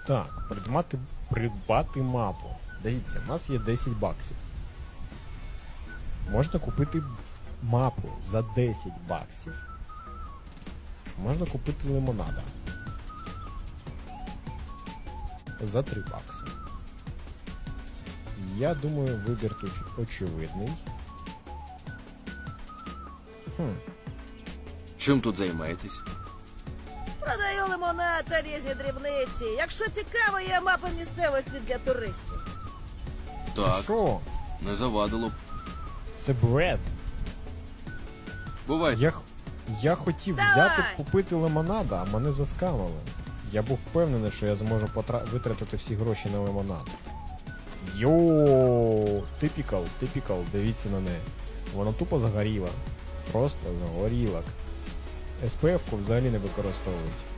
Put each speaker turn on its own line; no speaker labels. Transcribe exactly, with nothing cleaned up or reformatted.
Так, придбати, придбати мапу. Дивіться, в нас є десять баксів. Можна купити мапу за десять баксів. Можна купити лимонада. За три бакси. Я думаю, вибір тут очевидний. Хм.
Чим тут займаєтесь?
Продаю лимонад та різні дрібниці. Якщо цікаво, є мапа місцевості для туристів.
Так,
Що?
не завадило б.
Це бред.
Бувайте.
Я, х- я хотів
Давай!
взяти купити лимонада, а мене заскамили. Я був впевнений, що я зможу потра... витратити всі гроші на лимонад. Йоу, типікал, типікал, дивіться на неї. Вона тупо загоріла. Просто загоріла. ес пе еф-ку взагалі не використовують.